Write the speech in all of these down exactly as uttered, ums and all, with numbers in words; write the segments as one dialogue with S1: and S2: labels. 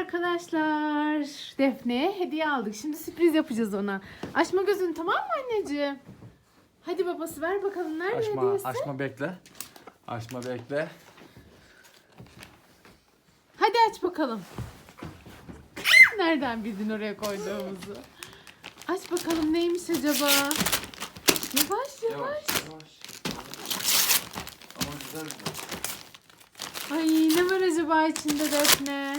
S1: arkadaşlar. Defne'ye hediye aldık. Şimdi sürpriz yapacağız ona. Açma gözünü, tamam mı anneciğim? Hadi babası, ver bakalım, nerede
S2: Açma,
S1: hediyesi?
S2: açma bekle. Açma bekle.
S1: Hadi aç bakalım. Nereden bildin oraya koyduğumuzu? Aç bakalım, neymiş acaba? Yavaş yavaş.
S2: yavaş. Ama güzel güzel.
S1: Ay, ne var acaba içinde Defne?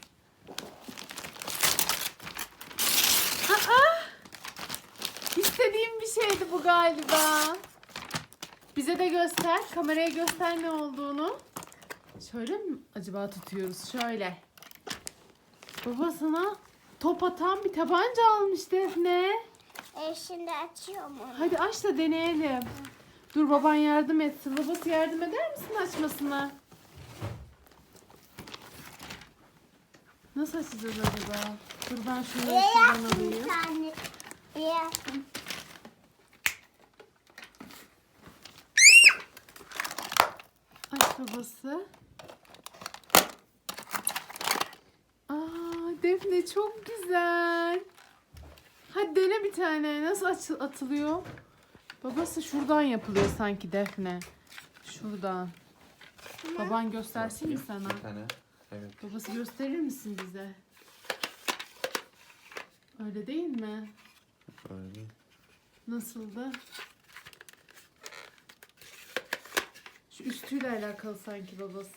S1: Aa! İstediğim bir şeydi bu galiba. Bize de göster. Kameraya göster ne olduğunu. Şöyle mi acaba tutuyoruz? Şöyle. Baba sana top atan bir tabanca almış Defne.
S3: E şimdi açıyorum onu.
S1: Hadi aç da deneyelim. Dur, baban yardım etsin. Babası yardım eder misin açmasına? Nasıl açacağız acaba? Dur ben şunu
S3: Bir
S1: şuradan
S3: yaptım bir
S1: alayım.
S3: tane. Bir yaptım.
S1: Aç babası. Aa, Defne çok güzel. Hadi dene bir tane. Nasıl açı- atılıyor? Babası şuradan yapılıyor sanki Defne. Şuradan. Baban göstersin mi sana?
S2: Bir tane. Evet.
S1: Babası, gösterir misin bize? Öyle değil mi?
S2: Öyle.
S1: Nasıldı? Şu üstüyle alakalı sanki babası.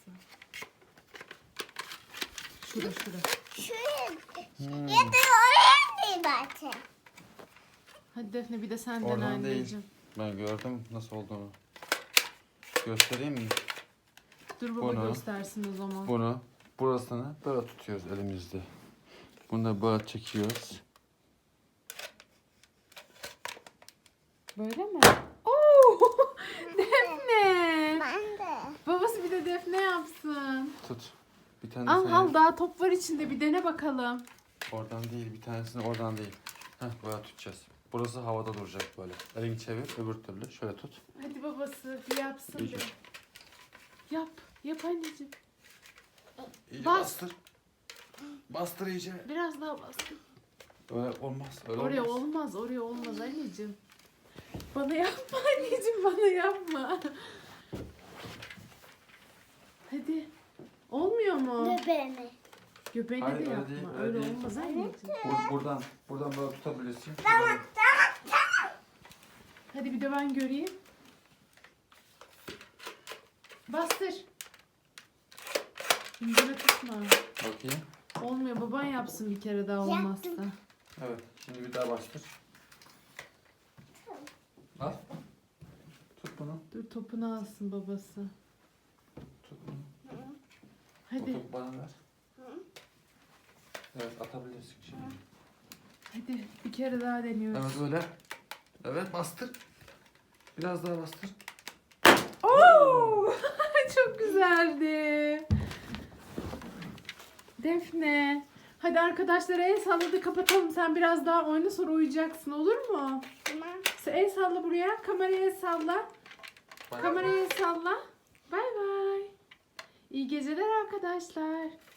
S1: Şura şura.
S3: Şuraya.
S2: Hmm.
S3: Ya da oraya değil zaten.
S1: Hadi Defne, bir de sen dene
S2: Oradan değil.
S1: anneciğim.
S2: Ben gördüm nasıl olduğunu. Göstereyim mi?
S1: Dur baba
S2: Bunu-
S1: göstersin o zaman.
S2: Bunu burasını böyle tutuyoruz elimizde. Bunu da böyle çekiyoruz.
S1: Böyle mi? Oo! Defne!
S3: Ben de.
S1: Babası bir de Defne yapsın.
S2: Tut. Bir tane
S1: Al
S2: sen
S1: al,
S2: yap.
S1: daha top var içinde, bir dene bakalım.
S2: Oradan değil, bir tanesini oradan değil. Heh, böyle tutacağız. Burası havada duracak böyle. Elini çevir, öbür türlü. Şöyle tut.
S1: Hadi babası bir yapsın
S2: İyice.
S1: bir. Yap. Yap anneciğim.
S2: İyice
S1: Bas.
S2: bastır. Bastır iyice.
S1: Biraz daha bas.
S2: Öyle olmaz. Öyle
S1: Oraya
S2: olmaz.
S1: olmaz, oraya olmaz anneciğim. Bana yapma anneciğim, bana yapma. Hadi. Olmuyor mu?
S3: Bebeğimi.
S1: Göbeğine
S2: Hayır,
S1: de
S2: öyle
S1: yapma.
S2: değil,
S1: Öyle,
S2: öyle değil.
S1: olmaz anneciğim.
S2: Bur- buradan, buradan böyle tutabilirsin.
S3: Tamam tamam tamam.
S1: Hadi bir de ben göreyim. Bastır. İncele tutma.
S2: Bakayım.
S1: Olmuyor, baban yapsın bir kere daha olmazsa.
S3: Yaptım.
S2: Evet. Şimdi bir daha bastır. Al. Tut bunu.
S1: Dur, topunu alsın babası.
S2: Tut bunu. Bu
S1: Hadi,
S2: topu bana ver. Evet, atabilirsin şimdi.
S1: hadi bir kere daha deniyoruz.
S2: Evet öyle. Evet, bastır. Biraz daha bastır.
S1: Oo! Çok güzeldi. Defne. Hadi arkadaşlara el salladı, kapatalım. Sen biraz daha oyna, sonra uyuyacaksın, olur mu?
S3: Tamam.
S1: Sen el salla buraya. Kameraya el salla.
S2: Bay bay.
S1: Kameraya el salla. Bay bay. İyi geceler arkadaşlar.